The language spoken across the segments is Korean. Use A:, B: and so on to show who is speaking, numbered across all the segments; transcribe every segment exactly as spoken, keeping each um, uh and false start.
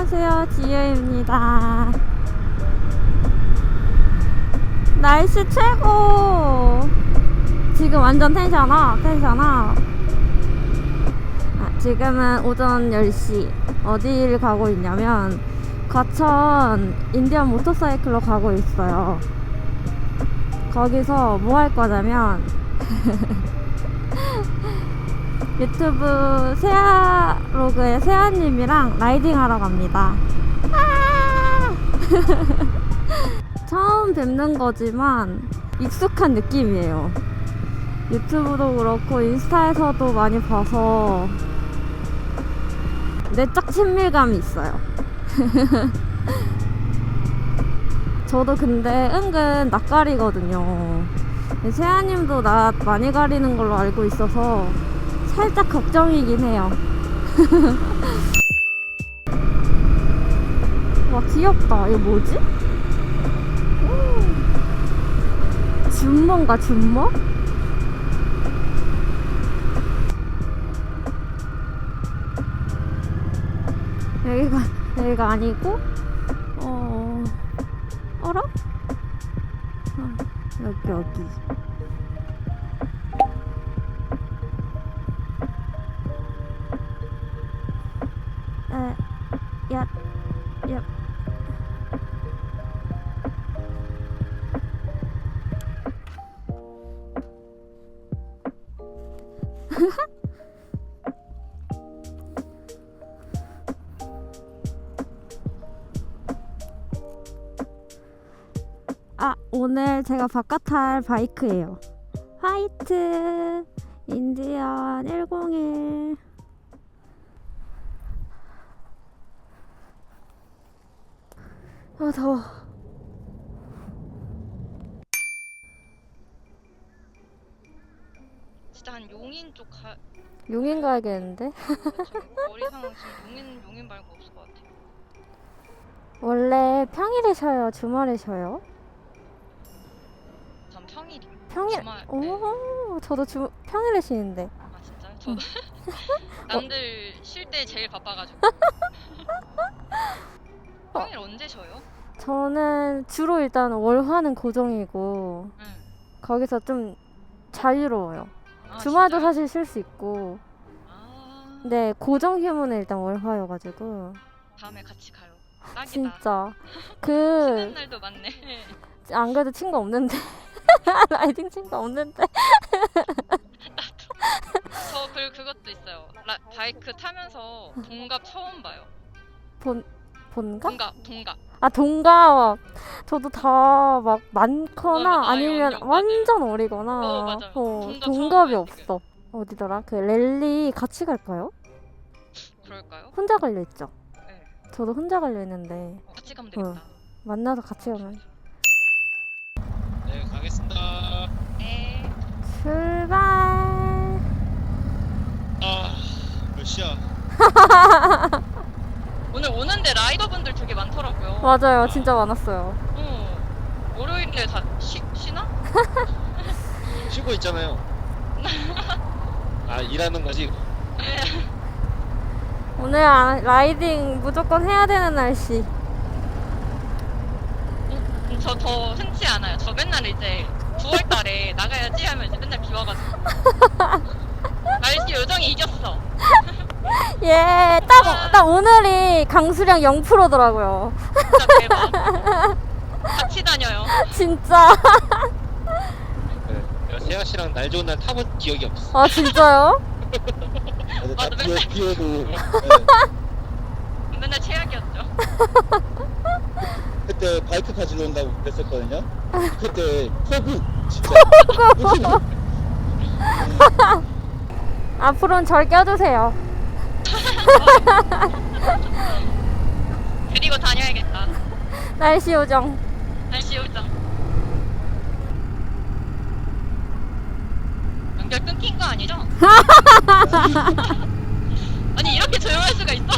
A: 안녕하세요, 지유입니다. 날씨 최고. 지금 완전 텐션업 텐션업. 아, 지금은 오전 열 시. 어디를 가고 있냐면 과천 인디언 모터사이클로 가고 있어요. 거기서 뭐 할 거냐면 유튜브 세아로그의 세아님이랑 라이딩 하러 갑니다. 아! 처음 뵙는 거지만 익숙한 느낌이에요. 유튜브도 그렇고 인스타에서도 많이 봐서 내적 친밀감이 있어요. 저도 근데 은근 낯가리거든요. 세아님도 낯 많이 가리는 걸로 알고 있어서 살짝 걱정이긴 해요. 와, 귀엽다. 이거 뭐지? 준모인가, 준모? 여기가, 여기가 아니고, 어, 어라? 어, 여기, 여기. 에, 야, 야. 아, 오늘 제가 바깥 탈 바이크예요. 화이트 인디언 백일. 아, 더워.
B: 진짜 한 용인 쪽 가.
A: 용인 가야겠는데?
B: 머리 상황 지금 용인 용인 말고 없을 것 같아.
A: 원래 평일에 쉬어요? 주말에 쉬어요?
B: 전 평일이.
A: 평일.
B: 주말.
A: 오,
B: 네.
A: 저도 주 평일에 쉬는데.
B: 아 진짜요? 저도 남들 쉴 때 제일 바빠가지고. 평일 언제 쉬어요?
A: 저는 주로 일단 월화는 고정이고
B: 응.
A: 거기서 좀 자유로워요.
B: 아,
A: 주말도
B: 진짜요?
A: 사실 쉴 수 있고.
B: 아.
A: 근데 고정 휴무는 일단 월화여가지고.
B: 다음에 같이 가요. 딱이다.
A: 진짜
B: 쉬는
A: 그
B: 날도 많네.
A: 안 그래도 친구 없는데 라이딩 친구 없는데
B: 저 그 그것도 있어요. 라, 바이크 타면서 동갑 처음 봐요.
A: 본 본가?
B: 동갑 동갑.
A: 아, 동갑. 저도 다 막 많거나
B: 어, 아,
A: 아니면
B: 언니,
A: 완전 어리거나
B: 어, 맞아요.
A: 어,
B: 동갑
A: 동갑이
B: 처음
A: 없어. 어디더라? 그 랠리 같이 갈까요?
B: 그럴까요?
A: 혼자 갈려 있죠?
B: 네.
A: 저도 혼자 갈려 있는데
B: 어, 같이 가면 되겠다.
A: 만나서 같이 가면.
C: 네, 가겠습니다.
B: 네.
A: 출발.
C: 아, 몇 시야?
B: 오늘 오는데 라이더분들 되게 많더라고요.
A: 맞아요, 진짜 많았어요.
B: 어. 월요일에 다 쉬, 쉬나?
C: 쉬고 있잖아요. 아, 일하는 거지?
A: 오늘 아, 라이딩 무조건 해야 되는 날씨.
B: 음, 저 더 흔치 않아요. 저 맨날 이제 구월 달에 나가야지 하면 이제 맨날 비 와가지고. 날씨 요정이 이겼어.
A: 예, 딱, 딱 오늘이 강수량 영 퍼센트더라고요.
B: 진짜 대박. 같이 다녀요.
A: 진짜.
C: 네, 내가 세아 씨랑 날 좋은 날 타본 기억이 없어.
A: 아, 진짜요?
C: 근데
B: 맞아,
C: 다
B: 맨날.
C: 비, 비 오고. 네.
B: 맨날 최악이었죠.
C: 그때 바이크 가지고 온다고 그랬었거든요. 그때 폭우 진짜.
A: 앞으로는 절 껴주세요.
B: 그리고 다녀야겠다.
A: 날씨 요정.
B: 날씨 요정. 연결 끊긴 거 아니죠? 아니 이렇게 조용할 수가 있어?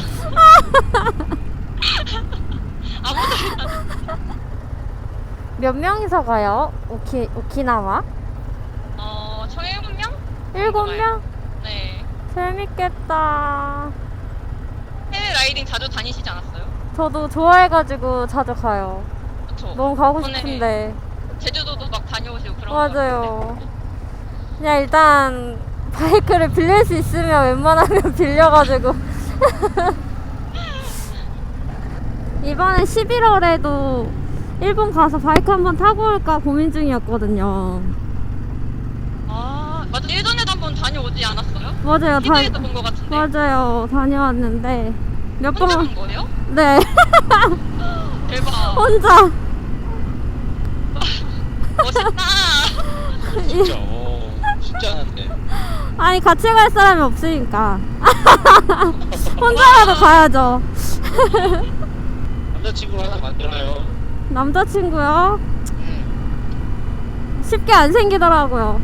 B: 아무도 안.
A: 몇 명이서 가요? 오키, 오키나와?
B: 어, 총 일곱 명?
A: 일곱 명?
B: 네.
A: 재밌겠다.
B: 해외 라이딩 자주 다니시지 않았어요?
A: 저도 좋아해가지고 자주 가요.
B: 그쵸?
A: 너무 가고
B: 이번에
A: 싶은데.
B: 제주도도 막 다녀오시고 그런 거
A: 맞아요. 그냥 일단 바이크를 빌릴 수 있으면 웬만하면 빌려가지고. 이번에 십일월에도 일본 가서 바이크 한번 타고 올까 고민 중이었거든요.
B: 아 맞아 예전에도 한번 다녀오지 않았어요?
A: 맞아요. 다,
B: 티비에서 본 거 같은데.
A: 맞아요. 다녀왔는데 몇
B: 혼자
A: 번.
B: 간 거예요?
A: 네.
B: 대박.
A: 혼자.
B: 멋있다.
C: 진짜 어 쉽지 않은데.
A: 아니 같이 갈 사람이 없으니까. 혼자라도 가야죠.
C: 남자친구 하나 만들어요.
A: 남자친구요?
C: 음.
A: 쉽게 안 생기더라고요.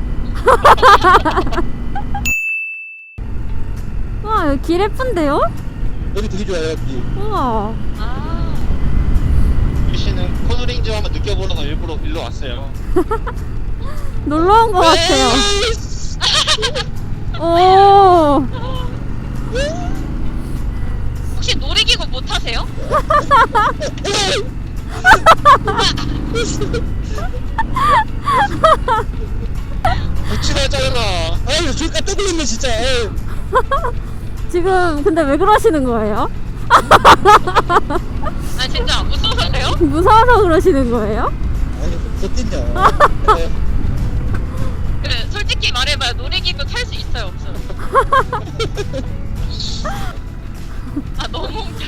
A: 와 여기 길 예쁜데요?
D: 여기 되게 좋아요 여기.
A: 우와.
B: 아
C: 유씨는 코너링 좀 한번 느껴보려고 일부러 일로 왔어요.
A: 놀러 온 것 같아요.
C: 네.
A: 오.
B: 혹시 놀이기구 못 타세요?
C: 붙이라잖아.
D: 아유 저기 깜짝 놀랐네 진짜. 아유.
A: 지금 근데 왜 그러시는 거예요?
B: 아 진짜 무서워서 그래요?
A: 무서워서 그러시는 거예요?
D: 아유 어땠냐. 네.
B: 그래 솔직히 말해봐요. 놀이기구 탈 수 있어요 없어요? 아 너무 웃겨.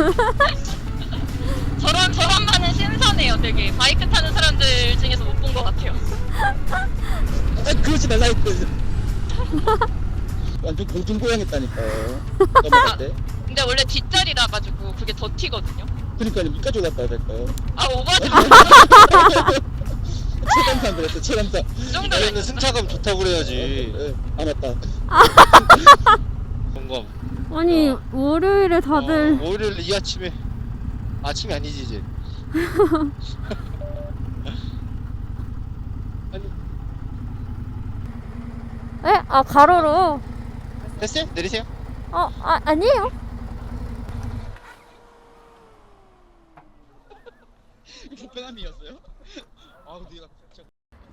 B: 저런 저런 반은 신선해요. 되게 바이크 타는 사람들 중에서 못 본 것 같아요.
D: 아 그러지 말라 했거든. 완전 공중보양했다니까요. 넘어갈 때.
B: 근데 원래 뒷자리라 가지고 그게 더 튀거든요.
D: 그러니까 밑까지 올라가야 될까요.
B: 아 오바지
D: 체감상 그랬어 체감상.
B: 이 정도는
C: 나는 승차감 좋다고 그래야지.
D: 네. 아 맞다.
C: 점검.
A: 아니
C: 어.
A: 월요일에 다들
C: 어, 월요일 이 아침에 아침이 아니지 이제. 아니
A: 에? 아 가로로?
C: 됐어요? 내리세요.
A: 어? 아, 아니에요.
D: 불편함이었어요? 아 근데 얘가 진짜.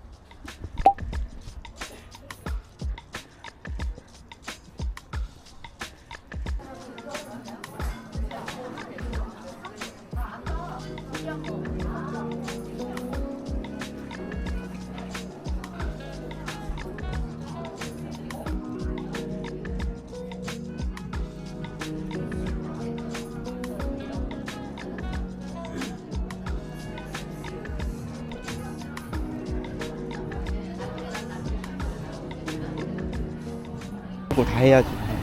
D: 뭐 다 해야지.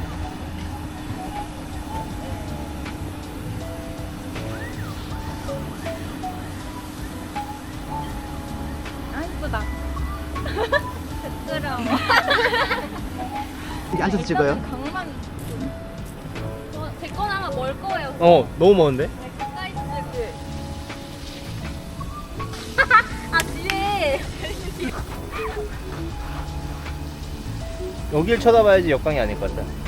A: 아 이쁘다. 부끄러워.
E: 여기 앉아서 찍어요?
A: 강만. 어, 제 거는 아마 멀 거예요.
E: 어, 너무 먼데?
A: 네, 가까이 찍을. 아 뒤에.
E: 여길 쳐다봐야지 역광이 아닐 것 같다.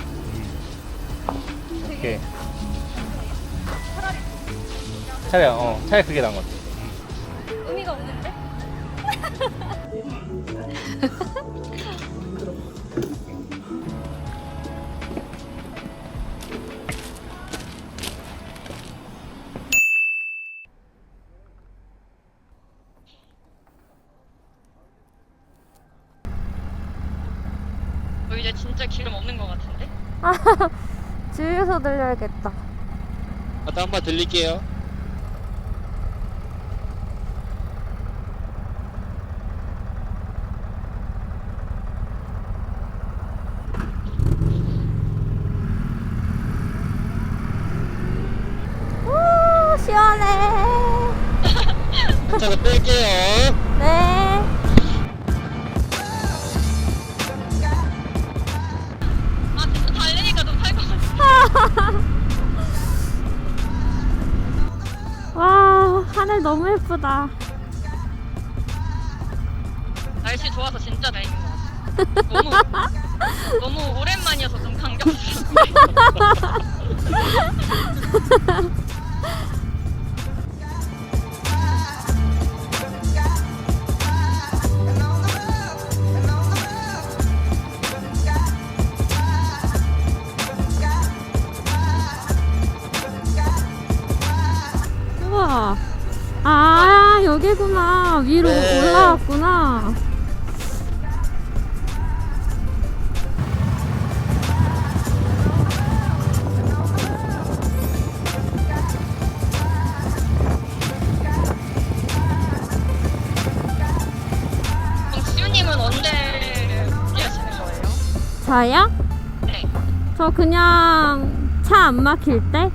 E: 오케이. 차라리, 어, 차라리 그게 나은 것 같아.
A: 의미가 없는데?
B: 어, 이제 진짜 기름 없는 것 같은데?
A: 주유소 들려야겠다.
C: 아또 한번 들릴게요.
A: 오 시원해.
C: 잠깐 뺄게요.
A: 네.
B: 아 진짜 달리니까 좀 살 것 같아.
A: 와 하늘 너무 예쁘다.
B: 날씨 좋아서 진짜 다행인 것 같아. 너무 너무 오랜만이어서 좀 감격스럽네.
A: 우와. 아, 여기구나. 위로
D: 네.
A: 올라왔구나.
B: 그럼 지우님은 언제 준비하시는 거예요?
A: 저요?
B: 네.
A: 저 그냥 차 안 막힐 때?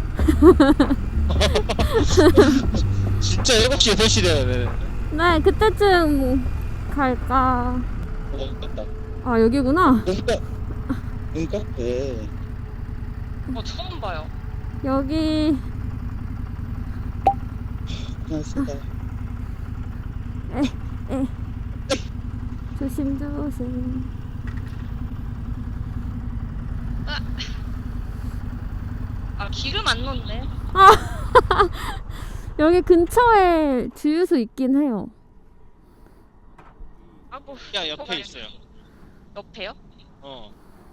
C: 진짜 일곱 시 여덟 시 돼야 돼.
A: 네, 그때쯤 갈까.
D: 어, 맞다.
A: 아, 여기구나.
D: 눈가, 눈가? 네.
B: 어, 처음 봐요.
A: 여기.
D: 고맙습니다.
A: 에, 에. 조심, 조심.
B: 아, 기름 안 넣네.
A: 아, 여기 근처에 주유소 있긴 해요.
B: 아, 뭐.
C: 야 옆에 있어요.
B: 옆에요?
C: 어.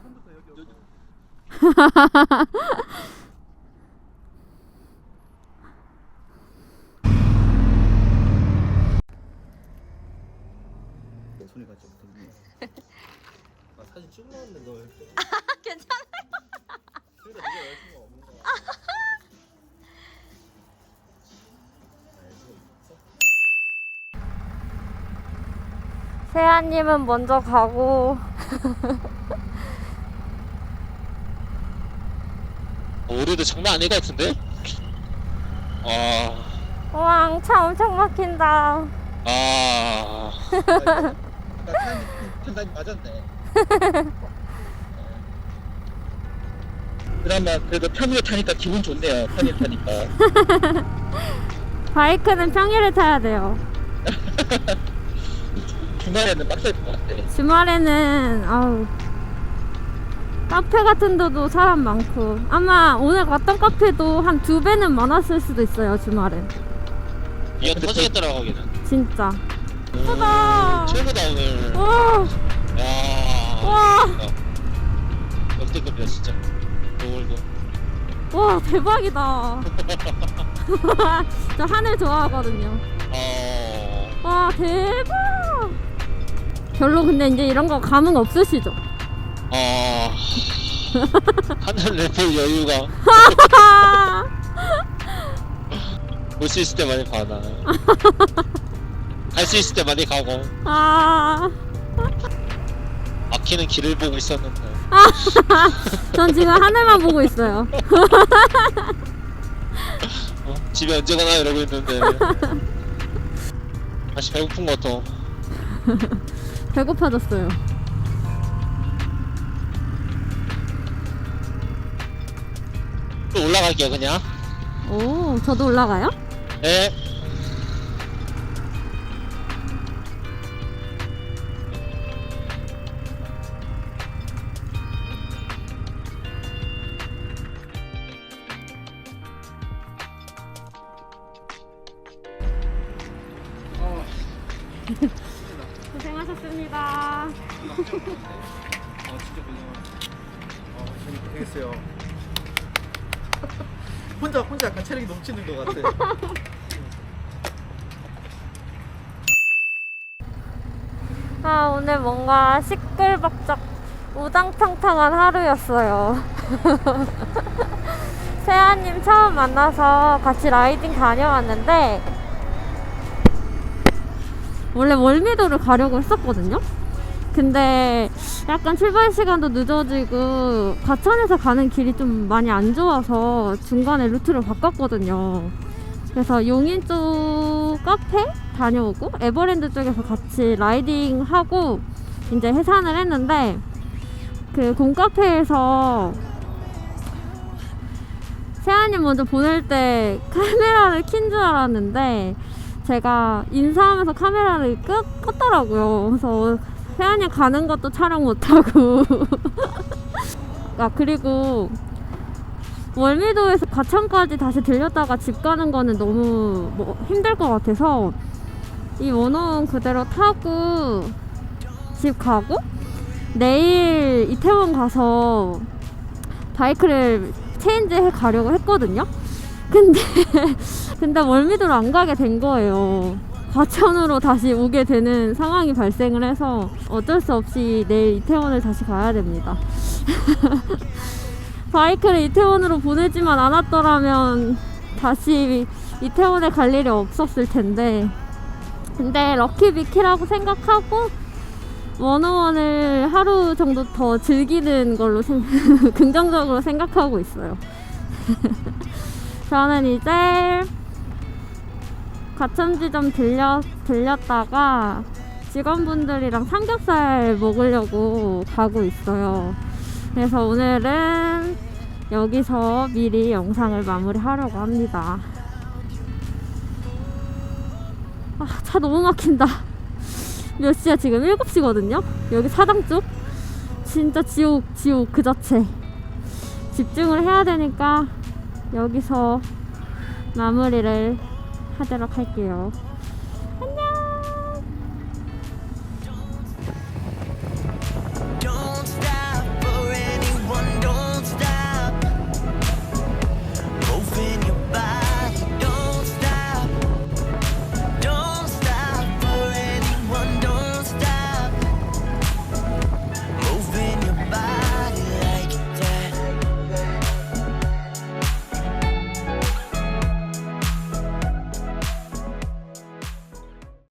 E: 소리가 좀 들리네. 아, 사진 찍어놨는데 너 이렇게.
A: 괜찮아요.
E: 그러니까 네가 여자친구가 없는 거야.
A: 세아님은 먼저 가고.
C: 오류도 장난 아닐 것 같은데? 아,
A: 우왕, 차 엄청 막힌다.
C: 아,
D: 아까 판단이 맞았네. 그나마 그래도 평일에 타니까 기분 좋네요. 평일 타니까.
A: 바이크는 평일에 타야 돼요.
D: 주말에는 빡셀 것 같아.
A: 주말에는 아우 카페 같은 데도 사람 많고 아마 오늘 갔던 카페도 한 두 배는 많았을 수도 있어요. 주말엔
C: 이거 터지겠더라고 거기는.
A: 진짜.
C: 오,
A: 예쁘다.
C: 최고다 오늘.
A: 와,
C: 야,
A: 와.
C: 역대급이야 진짜. 오늘도.
A: 와 대박이다. 저 하늘 좋아하거든요.
C: 어,
A: 와 대박. 별로 근데 이제 이런 거 감흥 없으시죠?
C: 어, 하늘 래퍼 여유가 볼 수 있을 때 많이 가나. 갈 수 있을 때 많이 가고.
A: 아,
C: 막히는 길을 보고 있었는데.
A: 전 지금 하늘만 보고 있어요.
C: 어? 집에 언제 가나 이러고 있는데. 다시 배고픈 것 같아.
A: 배고파졌어요.
C: 또 올라갈게요 그냥.
A: 오, 저도 올라가요?
C: 네.
A: 고생하셨습니다.
E: 아, 진짜 고생하셨어. 아, 재밌겠어요. 혼자 혼자 약간 체력이 넘치는 것 같아.
A: 아, 오늘 뭔가 시끌벅적 우당탕탕한 하루였어요. 세아님 처음 만나서 같이 라이딩 다녀왔는데 원래 월미도를 가려고 했었거든요. 근데 약간 출발 시간도 늦어지고 과천에서 가는 길이 좀 많이 안 좋아서 중간에 루트를 바꿨거든요. 그래서 용인 쪽 카페 다녀오고 에버랜드 쪽에서 같이 라이딩 하고 이제 해산을 했는데 그 곰카페에서 세아님 먼저 보낼 때 카메라를 킨 줄 알았는데 제가 인사하면서 카메라를 끄, 껐더라고요. 그래서 세아님 가는 것도 촬영 못하고 아 그리고 월미도에서 과천까지 다시 들렸다가 집 가는 거는 너무 뭐 힘들 것 같아서 이 원호원 그대로 타고 집 가고 내일 이태원 가서 바이크를 체인지 해 가려고 했거든요. 근데 근데 월미도로 안 가게 된 거예요. 과천으로 다시 오게 되는 상황이 발생을 해서 어쩔 수 없이 내일 이태원을 다시 가야 됩니다. 바이크를 이태원으로 보내지만 않았더라면 다시 이태원에 갈 일이 없었을 텐데, 근데 럭키비키라고 생각하고 원어원을 하루 정도 더 즐기는 걸로 생, 긍정적으로 생각하고 있어요. 저는 이제 과천지점 들려, 들렸다가 직원분들이랑 삼겹살 먹으려고 가고 있어요. 그래서 오늘은 여기서 미리 영상을 마무리하려고 합니다. 아, 차 너무 막힌다. 몇 시야 지금? 일곱 시거든요? 여기 사당 쪽? 진짜 지옥, 지옥 그 자체. 집중을 해야 되니까 여기서 마무리를 하도록 할게요.